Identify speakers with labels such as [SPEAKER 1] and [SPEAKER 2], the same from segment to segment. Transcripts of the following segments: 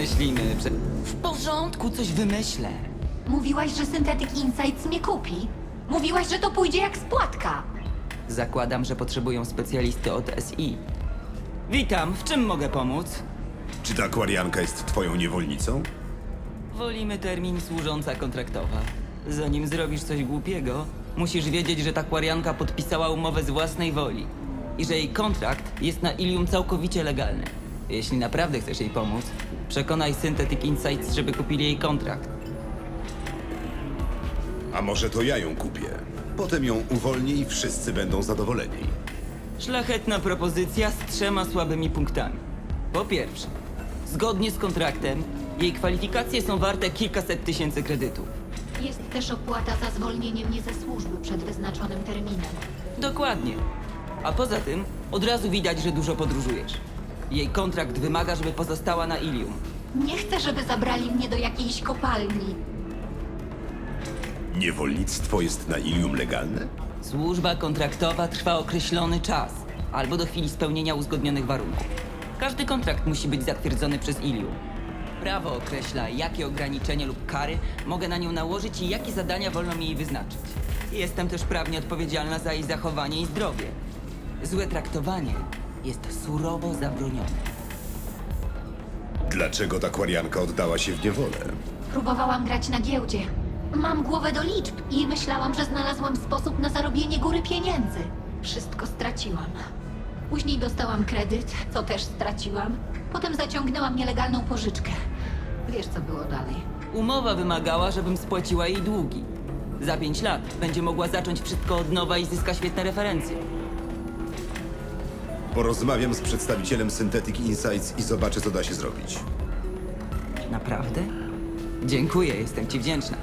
[SPEAKER 1] wymyślimy. W porządku, coś wymyślę.
[SPEAKER 2] Mówiłaś, że Synthetic Insights mnie kupi. Mówiłaś, że to pójdzie jak spłatka.
[SPEAKER 1] Zakładam, że potrzebują specjalisty od SI. Witam, w czym mogę pomóc?
[SPEAKER 3] Czy ta akwarianka jest twoją niewolnicą?
[SPEAKER 1] Wolimy termin służąca kontraktowa. Zanim zrobisz coś głupiego, musisz wiedzieć, że ta kwarianka podpisała umowę z własnej woli i że jej kontrakt jest na Ilium całkowicie legalny. Jeśli naprawdę chcesz jej pomóc, przekonaj Synthetic Insights, żeby kupili jej kontrakt.
[SPEAKER 3] A może to ja ją kupię? Potem ją uwolnię i wszyscy będą zadowoleni.
[SPEAKER 1] Szlachetna propozycja z 3 słabymi punktami. Po pierwsze, zgodnie z kontraktem, jej kwalifikacje są warte kilkaset tysięcy kredytów.
[SPEAKER 2] Jest też opłata za zwolnienie mnie ze służby przed wyznaczonym terminem.
[SPEAKER 1] Dokładnie. A poza tym, od razu widać, że dużo podróżujesz. Jej kontrakt wymaga, żeby pozostała na Ilium.
[SPEAKER 2] Nie chcę, żeby zabrali mnie do jakiejś kopalni.
[SPEAKER 3] Niewolnictwo jest na Ilium legalne?
[SPEAKER 1] Służba kontraktowa trwa określony czas, albo do chwili spełnienia uzgodnionych warunków. Każdy kontrakt musi być zatwierdzony przez Ilium. Prawo określa, jakie ograniczenia lub kary mogę na nią nałożyć i jakie zadania wolno mi jej wyznaczyć. Jestem też prawnie odpowiedzialna za jej zachowanie i zdrowie. Złe traktowanie jest surowo zabronione.
[SPEAKER 3] Dlaczego ta akwarianka oddała się w niewolę?
[SPEAKER 2] Próbowałam grać na giełdzie. Mam głowę do liczb i myślałam, że znalazłam sposób na zarobienie góry pieniędzy. Wszystko straciłam. Później dostałam kredyt, co też straciłam. Potem zaciągnęłam nielegalną pożyczkę. Wiesz, co było dalej.
[SPEAKER 1] Umowa wymagała, żebym spłaciła jej długi. Za 5 lat będzie mogła zacząć wszystko od nowa i zyska świetne referencje.
[SPEAKER 3] Porozmawiam z przedstawicielem Synthetic Insights i zobaczę, co da się zrobić.
[SPEAKER 1] Naprawdę? Dziękuję, jestem ci wdzięczna.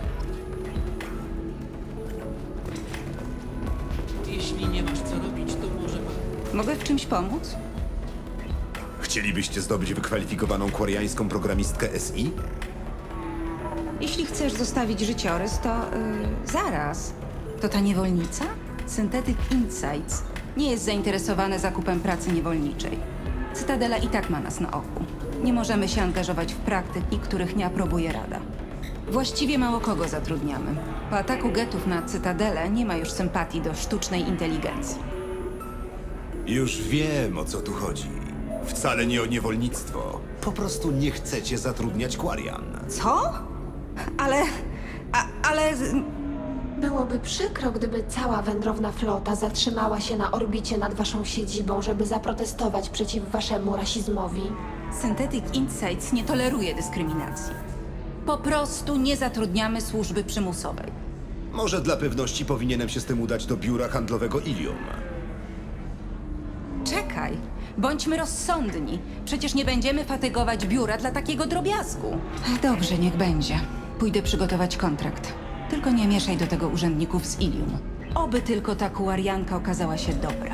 [SPEAKER 4] Jeśli nie masz co robić, to może...
[SPEAKER 5] Mogę w czymś pomóc?
[SPEAKER 3] Chcielibyście zdobyć wykwalifikowaną kwariańską programistkę SI?
[SPEAKER 5] Jeśli chcesz zostawić życiorys, to zaraz. To ta niewolnica? Synthetic Insights nie jest zainteresowana zakupem pracy niewolniczej. Cytadela i tak ma nas na oku. Nie możemy się angażować w praktyki, których nie aprobuje Rada. Właściwie mało kogo zatrudniamy. Po ataku getów na Cytadelę nie ma już sympatii do sztucznej inteligencji.
[SPEAKER 3] Już wiem, o co tu chodzi. Wcale nie o niewolnictwo. Po prostu nie chcecie zatrudniać kwarian.
[SPEAKER 5] Co? Ale...
[SPEAKER 6] Byłoby przykro, gdyby cała wędrowna flota zatrzymała się na orbicie nad waszą siedzibą, żeby zaprotestować przeciw waszemu rasizmowi.
[SPEAKER 5] Synthetic Insights nie toleruje dyskryminacji. Po prostu nie zatrudniamy służby przymusowej.
[SPEAKER 3] Może dla pewności powinienem się z tym udać do biura handlowego Ilium.
[SPEAKER 5] Czekaj, bądźmy rozsądni. Przecież nie będziemy fatygować biura dla takiego drobiazgu. Dobrze, niech będzie. Pójdę przygotować kontrakt. Tylko nie mieszaj do tego urzędników z Ilium. Oby tylko ta kuarianka okazała się dobra.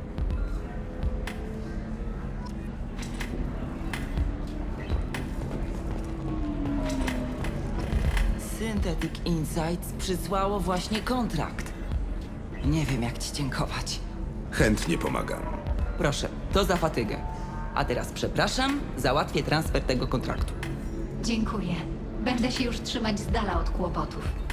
[SPEAKER 1] Synthetic Insights przysłało właśnie kontrakt. Nie wiem, jak ci dziękować.
[SPEAKER 3] Chętnie pomagam.
[SPEAKER 1] Proszę, to za fatygę. A teraz przepraszam, załatwię transfer tego kontraktu.
[SPEAKER 2] Dziękuję. Będę się już trzymać z dala od kłopotów.